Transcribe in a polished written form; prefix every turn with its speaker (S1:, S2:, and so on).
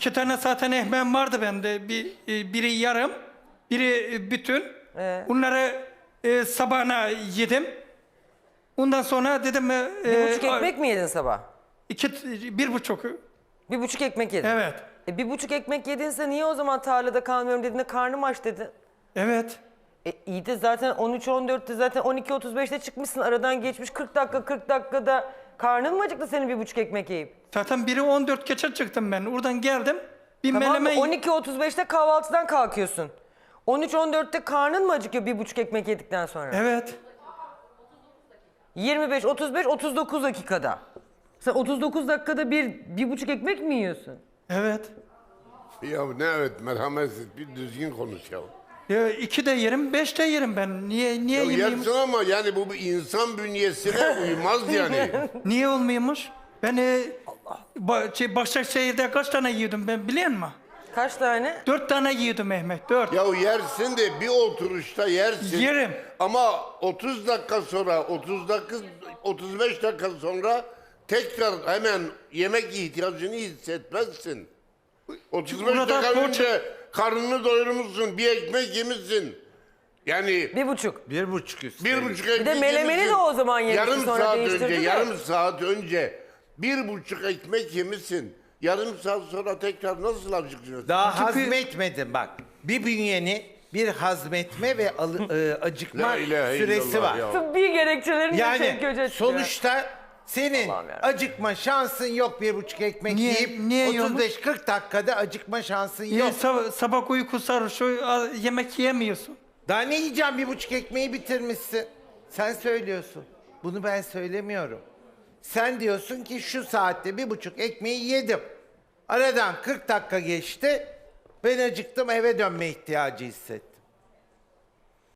S1: 2 tane zaten ekmeğim vardı bende. Biri yarım, biri bütün. Bunları sabahına yedim. Ondan sonra dedim...
S2: 1,5 ekmek mi yedin sabah?
S1: 1,5.
S2: 1,5 ekmek yedin.
S1: Evet.
S2: 1,5 ekmek yedinse niye o zaman tarlada kalmıyorum dediğinde karnım aç dedin?
S1: Evet.
S2: İyi de zaten 13-14'te zaten 12-35'te çıkmışsın. Aradan geçmiş 40 dakikada karnın mı acıktı senin 1,5 ekmek yiyip?
S1: Zaten biri 14 geçe çıktım ben. Oradan geldim. Bir
S2: Tamam mı?
S1: menemen...
S2: 12.35'te kahvaltıdan kalkıyorsun. 13-14'te karnın mı acıkıyor 1,5 ekmek yedikten sonra?
S1: Evet.
S2: 25, 35, 39 dakikada. Sen 39 dakikada 1,5 ekmek mi yiyorsun?
S1: Evet.
S3: Ya ne evet merhametsiz bir düzgün konuş ya.
S1: Ya 2 de yerim, 5 de yerim ben. Niye
S3: Ya
S1: yemeyeyim?
S3: yersin ama yani bu bir insan bünyesine uymaz yani.
S1: Niye olmuyormuş? Ben Başakşehir'de kaç tane yiyordum ben biliyor musun?
S2: Kaç tane?
S1: 4 tane yiyordum Mehmet, 4.
S3: Ya yersin de bir oturuşta yersin.
S1: Yerim.
S3: Ama 30 dakika sonra, 35 dakika sonra tekrar hemen yemek ihtiyacını hissetmezsin. 35
S1: Burada
S3: dakika önce karnını doyurmuşsun, bir ekmek yemişsin. Yani
S2: 1,5.
S4: 1,5 üstü.
S3: 1,5 ekmek
S2: Bir de melemeni
S3: yemişsin.
S2: de o zaman yemişsin,
S3: Yarım
S2: sonra
S3: saat
S2: değiştirdin
S3: önce,
S2: de.
S3: yarım saat önce 1,5 ekmek yemişsin. Yarım saat sonra tekrar nasıl acıkıyorsun?
S4: Daha
S1: Çünkü-
S4: hazmetmedin bak. Bir bünyeni bir hazmetme ve acıkma
S3: La ilahe
S4: süresi
S3: illallah
S4: var.
S3: ya.
S2: Tıbbi gerekçelerini de
S4: Yani
S2: tek göze çıkıyor.
S4: sonuçta senin
S2: Allah'ım yarabbim.
S4: acıkma şansın yok 1,5 ekmek
S1: Niye
S4: yiyip
S1: yiyormuş?
S4: 35-40 dakikada acıkma şansın
S1: Niye
S4: yok.
S1: sabah uyku sarhoş, yemek yiyemiyorsun?
S4: Daha ne yiyeceğim 1,5 ekmeği bitirmişsin. Sen söylüyorsun. Bunu ben söylemiyorum. Sen diyorsun ki şu saatte 1,5 ekmeği yedim. Aradan 40 dakika geçti. Ben acıktım eve dönme ihtiyacı hissettim.